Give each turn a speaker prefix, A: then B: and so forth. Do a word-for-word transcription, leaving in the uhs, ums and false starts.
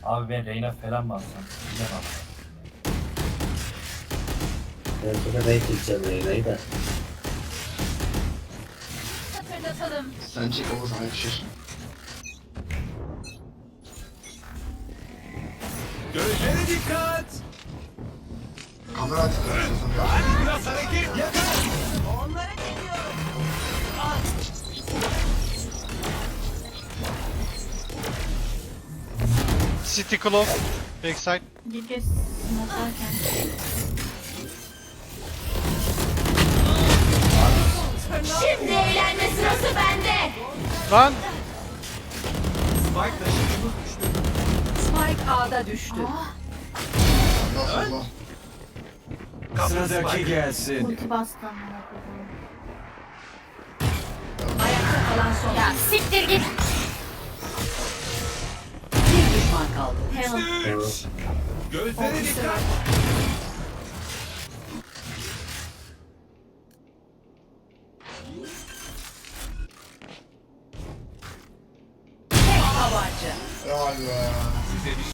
A: Abi ben Reyna falan mı alsam? Bilemem.
B: Ben burada denk gideceğim Reyna'yı da.
C: Hatırlatalım.
D: Sence Oğuz Ayşir.
E: Gözlere dikkat.
D: Kamera açtı.
E: Hadi biraz hareket yakar.
C: Onlara gidiyorum.
F: City Clove. Backside.
G: Bir kez smoke'larken.
C: Şimdi eğlenme sırası bende.
F: Lan.
E: Spike taşıyıcımız düştü.
H: Spike A'da düştü.
D: Allah Allah.
E: Sıradaki gelsin.
G: Ulti bastı amına koyayım.
H: Ayakta kalan son.
C: Ya siktir git.
H: Bir düşman kaldı.
G: Heaven.
B: Evet.
E: Gözlere dikkat.
H: Tek tabanca.
D: Helal be.
E: Size bir